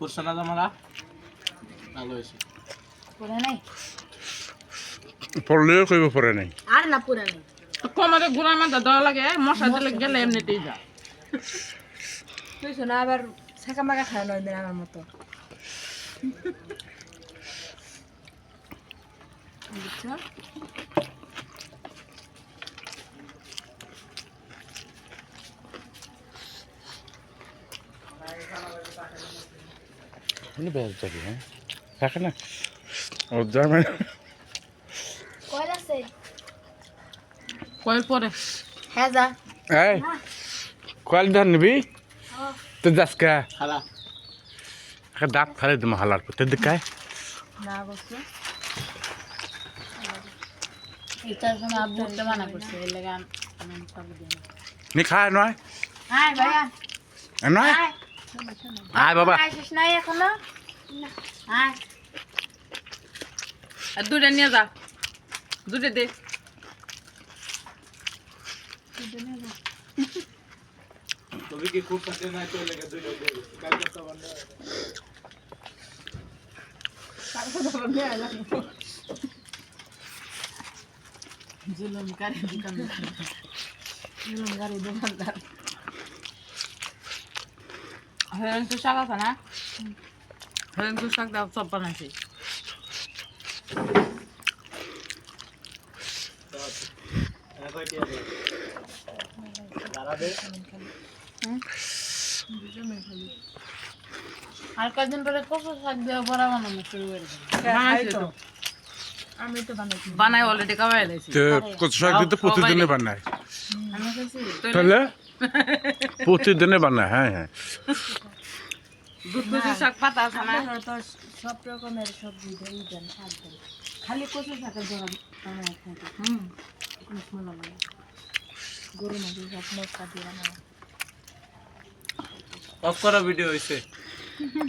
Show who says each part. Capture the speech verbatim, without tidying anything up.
Speaker 1: পুরসনা জামালা ভালো হয়েছে
Speaker 2: পুরা নাই
Speaker 3: পড়লেও কইব পড়ে নাই
Speaker 2: আর না পুরা নাই
Speaker 4: তো কমারে গুড়া মাথা দেওয়া লাগে মশা দিলে গেলে এমনিতেই যা
Speaker 2: তুই শোনা আবার ছেঁকা মাকা খায় নয় দিন আমার মতো বুঝছো
Speaker 3: মানে বেশ যাবে হ্যাঁ থাকে না ও যাবে
Speaker 2: কয় আছে
Speaker 4: কয় পরে
Speaker 2: হ্যাঁ যা
Speaker 3: এই কয়েল ধান নিবি তো যাসকা
Speaker 1: খালা
Speaker 3: একটা দাঁত ফেলে দিম হালার পর তোর দিকে
Speaker 2: না বসো এটার জন্য আব্বুতে মানা করছে এর লাগা আমি সব দিই
Speaker 3: নি খায় নয়
Speaker 2: আয় ভাইয়া
Speaker 3: নয়
Speaker 2: আয়
Speaker 3: আয় বাবা
Speaker 2: আইছিস নাই এখনো না আয়
Speaker 4: আর দুইটা নিয়ে যা দুইটা দে
Speaker 1: তুমি কি খুব সাথে না চলে গেছে দুই লোক কালকে তো বন্ধ
Speaker 4: জুলুম করে দোকানদার
Speaker 2: জুলুম গাড়ি দোকানদার
Speaker 4: হরেন তো শাক আছে না হরেন তো শাক দাও সব বানাইছি
Speaker 1: একই আছে দাঁড়াবে
Speaker 2: আর কয়েকদিন পরে কচু শাক দিয়ে বড়া বানানো শুরু করে দেবো
Speaker 4: বানাইছি তো
Speaker 2: আমি তো বানাইছি
Speaker 4: বানাই অলরেডি কামাই লাইছি
Speaker 3: তো কত শাক দিতে প্রতিদিনে বানায়
Speaker 2: আমি খাইছি
Speaker 3: তাহলে প্রতিদিনে বানায় হ্যাঁ হ্যাঁ
Speaker 4: দুধ কচু শাক পাতা আছে না
Speaker 2: আমরা তো সব রকমের সবজি দেই দেন শাক দেন খালি কচু শাকের জন্য বানাই খাইতে
Speaker 4: হুম
Speaker 2: কোনো ভালো লাগে গরু মাঝে সব মশলা দিয়ে বানাই
Speaker 1: অফ করা ভিডিও হইছে